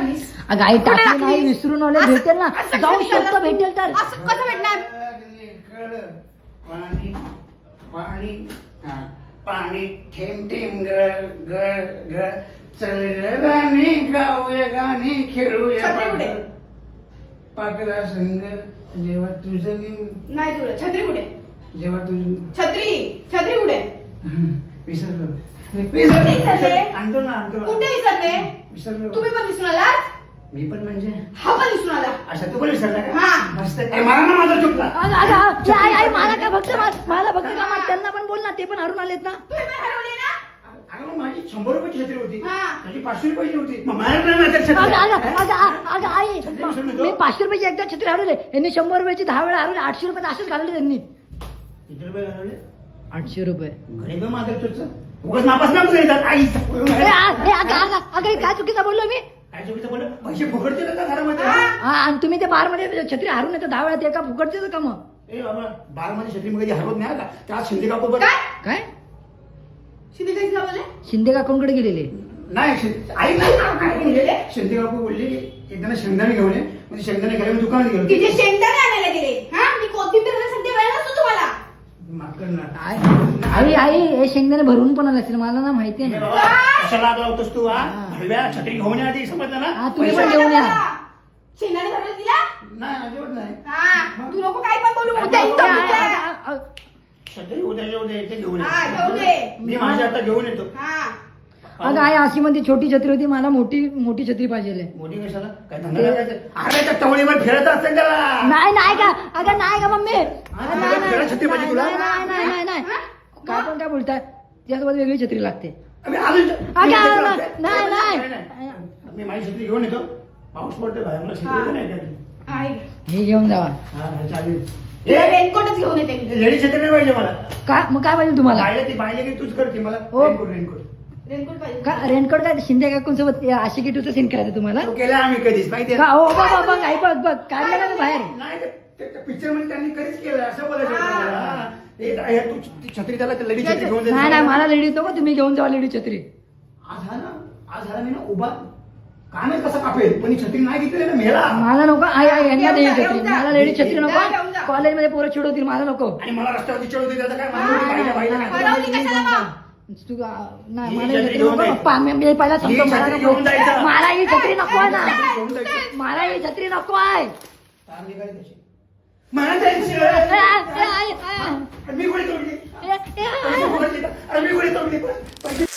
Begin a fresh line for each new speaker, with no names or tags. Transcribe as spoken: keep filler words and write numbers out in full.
टाकलीस?
अगं आई
कुठे
टाकली नाही,
टाकलीस?
विसरून आले,
असं-
भेटेल ना,
असं
जाऊ
कसं
शकतो,
झालं?
भेटेल तर.
असं कसं भेटणार?
पाणी पाणी हा, पाणी थेंब थेंब गळ गळ गळ चल ग गाणी गाऊया गाणी खेळूया
छत्री कुठे?
पाकला संग जेव्हा तुझं मी
नाही तुला छत्री कुठे?
जेव्हा तुझं
छत्री छत्री कुठे?
विसरलो
कुठे विसरले?
आणतो ना आणतो ना.
कुठे विसरले?
विसरलो
तुम्ही पण विसरून आलात?
मी पण म्हणजे
हा पण विसरून आला.
अच्छा तू पण विसरला का?
हा.
मस्त ए, मला ना माझा चुकला
अगं, अगं, अगं, आई आई मला काय फक्त मा- मला फक्त का मा- त्यांना पण बोल ना, ते पण हरून आलेत ना.
तुम्ही पण हरवले ना?
अगं मग माझी शंभर रुपयाची छत्री होती
हा.
माझी पाचशे रुपयाची होती मग मला नाही माहिती छत्री.
अगं अगं
हा?
अगं अगं, अगं आई
विसरून येतो?
मी पाचशे रुपयाची एकदा छत्री हरवले, यांनी शंभर रुपयाची दहा वेळा हरवले, आठशे रुपये असेच घालवले त्यांनी.
किती रुपये घालवले?
आठशे रुपये.
घरी पण माझं तुझं उगाच नापास ना तुझं येतात आई
ए, आ- ए, अगं अगं अगं हे काय चुकीचं बोललो मी.
काय चुकीचं बोललं पैसे फुकटचे का घरामध्ये
हा.
हा, आणि तुम्ही ते बार मध्ये छत्री हरून येतं दहा वेळा, ते का फुकटचे का मग?
ए बाबा बार मध्ये छत्री मग कधी हरवत नाही का त्या शिंदे काकू बरं
काय?
काय
शिंदे काय बोलले?
शिंदे काकूंकडे गेलेले.
नाही शिं- आई नाही काय बोलले शिंदे काकू बोलली की एकदा ना शेंगदाणे घेऊन ये म्हणजे शेंगदाणे घ्यायला मी दुकानात गेलो
तिचे शेंगदाणे आणायला गेले. हा मी कोथिंबीर सध्या वेळ नसतो तुम्हाला.
माफ कर ना
आई आई आई हे शेंगदाणे भरून पण आले असेल, मला ना माहिती
ए
आहे.
बाबा, कशाला आग लावतोस तू हा
हा.
हलव्या छत्री घेऊन ये आधी समजलं
हा,
ना
तुम्ही
पैसे-
पण घेऊन या.
शेंगदाणे भरले तिला?
नाही अजिबात नाही
हा तू नको काय पण बोलू.
अगं,
उद्या
अगं,
इथं
आ-
उद्या.
आ- आ-
छत्री उद्या येऊ दे ते घेऊन
हा,
ये
घेऊन ये.
मी माझ्या आता घेऊन येतो
हा
अगं आई अशी मध्ये छोटी छत्री होती, मला मोठी मोठी छत्री पाहिजे.
मोठी कशाला काय धंदा लागायचं अरे त्या टवळीवर फिरत असेल त्याला
नाही नाही का अगं नाही का मम्मी,
हा,
नाही, नाही,
फिरायला छत्री पाहिजे तुला?
नाही, नाही, नाही, नाही, नाही.
हा?
काय पण काय बोलताय, त्यासोबत वेगळी छत्री लागते.
अबे, अजून-
अगं,
मी
अगं,
छत्री
नाही,
लागते.
नाही,
नाही, नाही. मी माझी छत्री घेऊन येतो पाऊस पडतोय बाहेर मला छत्री पण नाही का?
आहे.
हे घेऊन जावा.
हा, हा, चालेल
तिला
ए,
रेनकोटच घेऊन येते मी.
लेडी छत्री नाही पाहिजे मला
का मग काय पाहिजे तुम्हाला?
पाहिजे ती पाहिजे की तूच करते मला
हो.
रेनकोट रेनकोट
रेनकोट पाहिजे.
का रेनकोट काय शिंदे काकूंसोबत आशिकी टूचं सीन करायचं तुम्हाला?
तो केला आम्ही कधीच माहिती
का हो बघ बघ बघ आई बघ बघ काढलं ना तू बाहेर.
नाही पिक्चर मध्ये त्यांनी कधीच केलं असं बोलायचं होतं मला. हा. ए, हे तू ती छत्री त्याला लेडी छत्री घेऊन दे.
नाही नाही मला लेडी नको, तुम्ही घेऊन जावा लेडी छत्री.
आज हा ना आज झाला मी ना उभा काय नाही कसं कापेल पण ही छत्री नाही घेतली ना मेला
मला नको आई आई यांना
घेऊन
लेडी
जा,
छत्री,
घेऊन जा.
मला लेडी छत्री
घेऊन
नको.
जा.
कॉलेजमध्ये पोरं चिडवतील, मला नको.
आणि मला रस्त्यावरती चढवते त्याचं काय
हा,
मला नव्हती पाहिजे, पाहिजे
नाही,
काय.
हरवली कशाला मग?
तू आ, नाही
ही
मला
छत्री
ही छत्री
घेऊन
नको.
जायचं.
पप्पा, मी मी पहिला सांगतो
ही
मला
छत्री
नको.
घेऊन जायचं.
मला ही छत्री नको आहे ना,
घेऊन जायचं.
मला ही छत्री नको आहे.
तार निघाली त्याची. मला जायचं.
ए, ए, आई, आई,
मी कोणी तोडली
ए, ए, आई.
अरे मी कोणी तोडली पैसे